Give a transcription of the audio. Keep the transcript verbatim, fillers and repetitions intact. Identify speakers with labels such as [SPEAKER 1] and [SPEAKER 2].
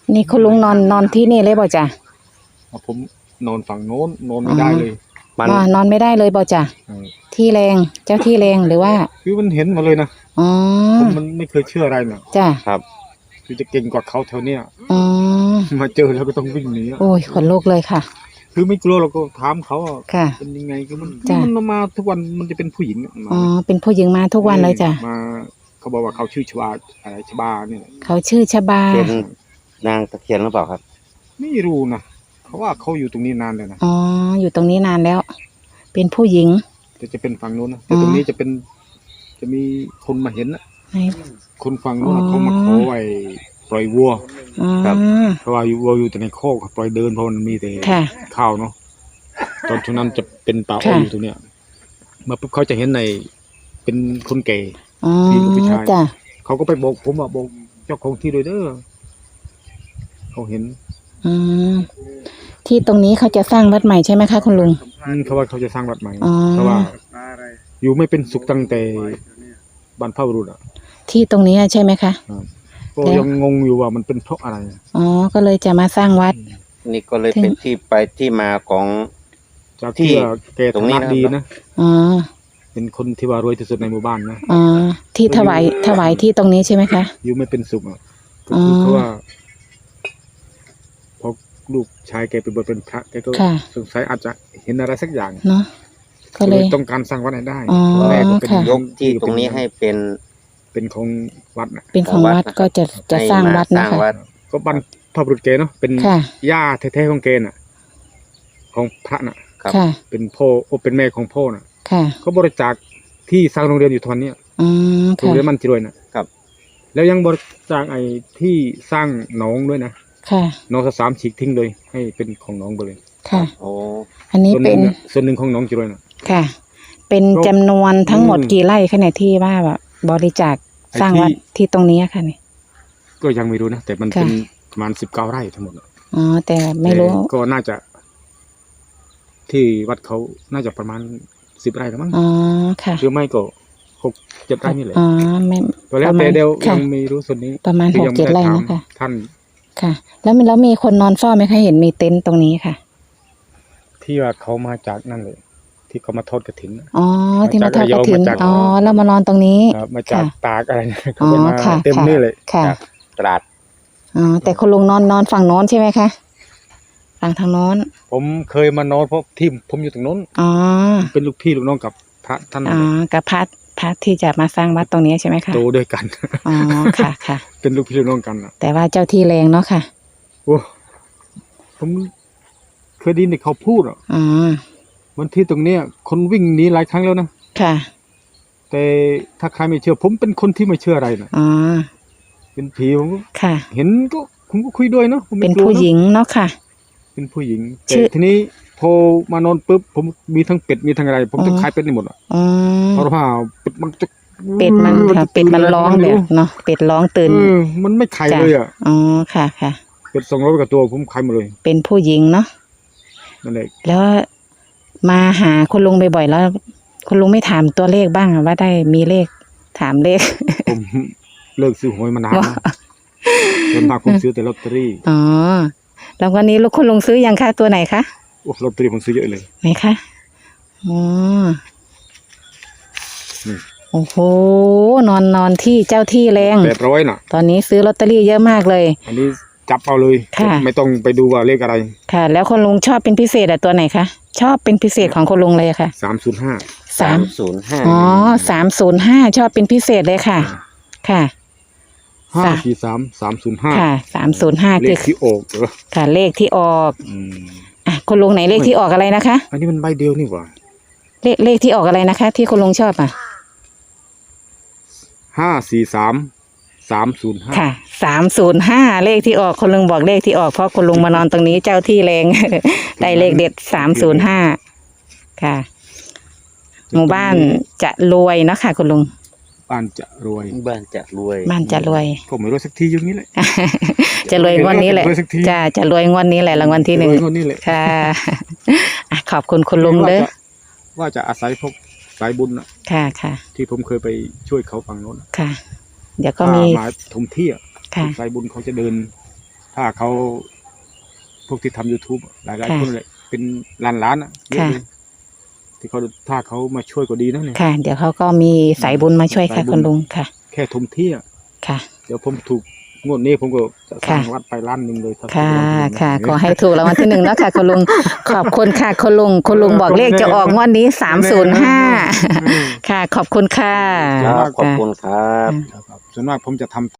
[SPEAKER 1] นี่คุณลุงนอนนอนที่นี่เลยบ่จ้ะ
[SPEAKER 2] ผมนอนฝั่งโน้นนอนไม่ได้เลย
[SPEAKER 1] มันนอนไม่ได้เลยบ่จ้ะที่แรงเจ้าที่แรงหรือว่า
[SPEAKER 2] คือมันเห็นมาเลยนะ
[SPEAKER 1] อ๋อ
[SPEAKER 2] ผมมันไม่เคยเชื่ออะไรนะ
[SPEAKER 1] จ้ะ
[SPEAKER 2] ครับคือจะเก่งกว่าเขาแถวเนี้ย
[SPEAKER 1] อ๋อ
[SPEAKER 2] มาเจอแล้วก็ต้องวิ่งหนี
[SPEAKER 1] โอ้ยขนลุกเลยค่ะ
[SPEAKER 2] คือไม่กลัวเราก็ถามเขา
[SPEAKER 1] ค่ะ
[SPEAKER 2] เป็นยังไงคือมันมันมาทุกวันมันจะเป็นผู้หญิง
[SPEAKER 1] อ๋อเป็นผู้หญิงมาทุกวันเลยจ้ะ
[SPEAKER 2] มาเขาบอกว่าเขาชื่อชบาอะไรชบาเนี่ย
[SPEAKER 1] เขาชื่อชบา
[SPEAKER 3] เป็นนางตะเคียนหรือเปล่าครับ
[SPEAKER 2] ไม่รู้นะเขาว่าเขาอยู่ตรงนี้นานเลยนะ
[SPEAKER 1] อ๋ออยู่ตรงนี้นานแล้วเป็นผู้หญิง
[SPEAKER 2] จะจะเป็นฝั่งโน้นนะแต่ตรงนี้จะเป็นจะมีคนมาเห็นนะคนฝั่งโน้นเขามาขอไว้ปล่อยวัวครับเพราะว่าวัวอยู่แต่ในคอกปล่อยเดินเพราะมันมีแต่ข้าวเนาะตอนช่วงนั้นจะเป็นป่าอ้อยอยู่ตรงเนี้ยมาปุ๊บเขาจะเห็นในเป็นคนแก่ที่กับผู้ชายเขาก็ไปบอกผมว่าบอกเจ้าของที่โดยเด้อเขาเห็น
[SPEAKER 1] อืมที่ตรงนี้เขาจะสร้างวัดใหม่ใช่ไหมคะคุณลุง
[SPEAKER 2] เขาว่าเขาจะสร้างวัดใหม่เพราะว่าอยู่ไม่เป็นสุขตั้งแต่บรรพบุรุษอ่ะ
[SPEAKER 1] ที่ตรงนี้ใช่ไหมคะ
[SPEAKER 2] ก็ยังงงอยู่ว่ามันเป็นเพราะอะไร
[SPEAKER 1] อ๋อก็เลยจะมาสร้างวัด
[SPEAKER 3] นี่ก็เลยเป็นที่ไปที่มาของ
[SPEAKER 2] จากที่แกตรงนี้ดีนะ
[SPEAKER 1] อ๋อ
[SPEAKER 2] เป็นคนที่ว่ารวยที่สุดในหมู่บ้านนะ
[SPEAKER 1] อ๋อที่ถวายถวายที่ตรงนี้ใช่ไหมคะ
[SPEAKER 2] อยู่ไม่เป็นสุขอ่ะก็คือเพราะว่าพอลูกชายแกไปบวชเป็นพระแกก็สงสัยอาจจะเห็นอะไรสักอย่าง
[SPEAKER 1] เนาะก็เลย
[SPEAKER 2] ต้องการสร้างวัดให้ได้
[SPEAKER 1] แม่
[SPEAKER 2] ก็เป็น
[SPEAKER 3] ยกที่ตรงนี้ให้เป็น
[SPEAKER 2] เป็นของวัดนะ
[SPEAKER 1] เป็นของวัดก็จะจะสร้างวัดนะคะ
[SPEAKER 2] ก็บรรพบุรุษแกเนาะเป็นย่าแท้ๆของแกน่ะของพระน่ะเป็นพ่อโอเป็นแม่ของพ่อน่ะก็บริจาคที่สร้างโรงเรียนอยู่ทุกวันนี้โรงเรียนมันจิรวยนะครับแล้วยังบริจาคไอ้ที่สร้างหนองด้วยนะหนองสามฉีกทิ้งเลยให้เป็นของหนองไปเลย
[SPEAKER 1] ค่ะโอ้อันนี้เป็น
[SPEAKER 2] ส่วนหนึ่งของหนองจิรวยนะ
[SPEAKER 1] ค่ะเป็นจำนวนทั้งหมดกี่ไร่ขนาดที่ว่าแบบบริจาคสร้างวัดที่ตรงนี้ค่ะนี่
[SPEAKER 2] ก็ยังไม่รู้นะแต่มันเป็นประมาณสิบเก้าไร่ทั้งหมด
[SPEAKER 1] อ๋อแต่ไม่รู้
[SPEAKER 2] ก็น่าจะที่วัดเขาน่าจะประมาณสิบไร่แล้วมั้ง
[SPEAKER 1] อ๋อค่ะ
[SPEAKER 2] หรือไม่ก็หกเจ็ดไร่นี่แหละ
[SPEAKER 1] อ๋อไม่
[SPEAKER 2] ตัวแล้วแต่เดียวยังไม่รู้ส่วนนี้
[SPEAKER 1] ประมาณหกเจ็ดไร่นะคะ
[SPEAKER 2] ท่าน
[SPEAKER 1] ค่ะแล้วมีแล้วมีคนนอนเฝ้าไหมคะเห็นมีเต็นท์ตรงนี้ค่ะ
[SPEAKER 2] ที่ว่าเขามาจากนั่นเลยที่เขามาทอดกฐิน
[SPEAKER 1] อ๋อที่มาทอดกฐินอ๋อแล้วมานอนตรงนี้
[SPEAKER 2] มาจากตากอะไรเขามาเต็มนี่เลย
[SPEAKER 1] ค่ะ
[SPEAKER 3] ตราด
[SPEAKER 1] อ๋อแต่คุณลุงนอนนอนฝั่งโน้นใช่ไหมคะฝั่งทางโน้น
[SPEAKER 2] ผมเคยมานอนเพราะที่ผมอยู่ตรงโน้น
[SPEAKER 1] อ๋อ
[SPEAKER 2] เป็นลูกพี่ลูกน้องกับพระท่าน
[SPEAKER 1] อ๋อกับพระพระที่จะมาสร้างวัดตรงนี้ใช่ไหมคะ
[SPEAKER 2] โตด้วยกัน
[SPEAKER 1] อ๋อค่ะค่ะ
[SPEAKER 2] เป็นลูกพี่ลูกน้องกันอ่ะ
[SPEAKER 1] แต่ว่าเจ้าที่แรงเนาะค่ะ
[SPEAKER 2] โอ้ผมเคยได้ยินเขาพูดอ่ะ
[SPEAKER 1] อ๋อ
[SPEAKER 2] วันที่ตรงเนี้ยคนวิ่งหนีหลายครั้งแล้วนะ
[SPEAKER 1] ค่ะ
[SPEAKER 2] แต่ถ้าใครไม่เชื่อผมเป็นคนที่ไม่เชื่ออะไรนะ
[SPEAKER 1] อ๋อ
[SPEAKER 2] เป็นผีผม
[SPEAKER 1] ค่ะ
[SPEAKER 2] เห็นก็ผมก็คุยด้วยเนาะ
[SPEAKER 1] เป็นผู้หญิงเนาะค่ะ
[SPEAKER 2] เป็นผู้หญิงแต่ทีนี้พอมานอนปุ๊บผมมีทั้งเป็ดมีทั้งอะไรผมต้องขายเป็ดนี่หมดอ่ะเพราะว่าเป็ดมันจะ
[SPEAKER 1] เป็ดมันค่ะเป็ดมันร้องแบบเนาะเป็ดร้องตื่น
[SPEAKER 2] มันไม่ขายเลยอ่ะ
[SPEAKER 1] อ๋อค่ะค่ะ
[SPEAKER 2] เป็ดสองร้อยกว่าตัวผมขายหมดเลย
[SPEAKER 1] เป็นผู้หญิงเนาะ
[SPEAKER 2] นั่นแหละ
[SPEAKER 1] แล้วมาหาคุณลุงบ่อยๆแล้วคุณลุงไม่ถามตัวเลขบ้างว่าได้มีเลขถามเลข
[SPEAKER 2] ผมเลิกซื้อหวยมานานแล้วจนมาผมซื้อแต่ลอตเตอรี่
[SPEAKER 1] อ๋อแล้ววันนี้ลูกคุณลุงซื้อยังคะตัวไหนคะ
[SPEAKER 2] โอ้ลอตเตอรี่ผมซื้อเยอะเลย
[SPEAKER 1] ไหนคะอ๋อโอ้โหนอนนอนที่เจ้าที่แรง
[SPEAKER 2] แปดร้อยน่ะ
[SPEAKER 1] ตอนนี้ซื้อลอตเตอรี่เยอะมากเลย
[SPEAKER 2] อันนี้จับเอาเลยไม่ต้องไปดูว่าเลขอะไร
[SPEAKER 1] ค่ะแล้วคุณลุงชอบเป็นพิเศษอะตัวไหนคะชอบเป็นพิเศษของคุณลุงเลยค่ะ
[SPEAKER 2] สามศูนย์ห้า
[SPEAKER 1] สามศูนย์ห้าอ๋อสามศูนย์ห้าชอบเป็นพิเศษเลยค่ะค่ะ
[SPEAKER 2] ห้าสี่สามสามศูนย์ห้า
[SPEAKER 1] ค่ะสามศูนย์ห้า
[SPEAKER 2] เลขที่ออก
[SPEAKER 1] ค่ะเลขที่ออกอ่ะคุณลุงไหนเลขที่ออกอะไรนะคะ
[SPEAKER 2] อันนี้มันใบเดียวนี่หว่า
[SPEAKER 1] เลขเลขที่ออกอะไรนะคะที่คุณลุงชอบอ่ะ
[SPEAKER 2] ห้าสี่สามสามศูนย์ห้า
[SPEAKER 1] ค่ะสามศูนย์ห้าเลขที่ออกคุณลุงบอกเลขที่ออกเพราะคุณลุงมานอนตรงนี้เจ้าที่แรงได้เลขเด็ดสามศูนย์ห้าค่ะหมู่บ้านจะรวยเนาะค่ะคุณลุง
[SPEAKER 2] บ้านจะรวย
[SPEAKER 3] บ้านจะรวย
[SPEAKER 1] บ้านจะรวย
[SPEAKER 2] ผมไม่รวยสักทีอย่างนี้แหละ
[SPEAKER 1] จะรวยงวดนี้แหละจะจะรวยงวดนี้แหละรางวัลที่หนึ่งค่ะขอบคุณคุณลุงเด้อ
[SPEAKER 2] ว่าจะอาศัยพวกสายบุญ
[SPEAKER 1] ค่ะค่ะ
[SPEAKER 2] ที่ผมเคยไปช่วยเขาฝั่งโน้น
[SPEAKER 1] ค่ะเดี๋ยวก็มี
[SPEAKER 2] มาทมที่สายบุญเขาจะเดินถ้าถ้าเขาพวกที่ทำ YouTube หลายๆคนเลยเป็นล้านล้านๆอ่ะเยอะเลยที่เขาถ้าเขามาช่วยก็ดีนะเนี่ย
[SPEAKER 1] ค่ะ เดี๋ยวเขาก็มีสายบุญมาช่วยค่ะคุณลุงค่ะ
[SPEAKER 2] แค่ทมที่อ่ะ
[SPEAKER 1] ค่ะ
[SPEAKER 2] เดี๋ยวผมถูกงวดนี้ผมก็จะสร้าง
[SPEAKER 1] ค่ะ
[SPEAKER 2] วัดไปล้านหนึ่งเลยถ้าถูก
[SPEAKER 1] ค่ะ
[SPEAKER 2] รางวัลที่หนึ่ง
[SPEAKER 1] ค่ะ
[SPEAKER 2] นะ
[SPEAKER 1] ขอให้ถูกรางวัลที่หนึ่งเนาะค่ะคุณลุง ขอบคุณค่ะคุณลุงคุณลุงบอกเลขจะออกงวดนี้สามศูนย์ห้าค่ะ ขอบคุณค่ะ
[SPEAKER 3] ครับขอบคุณครับ
[SPEAKER 2] ครับส่วนมากผมจะทำ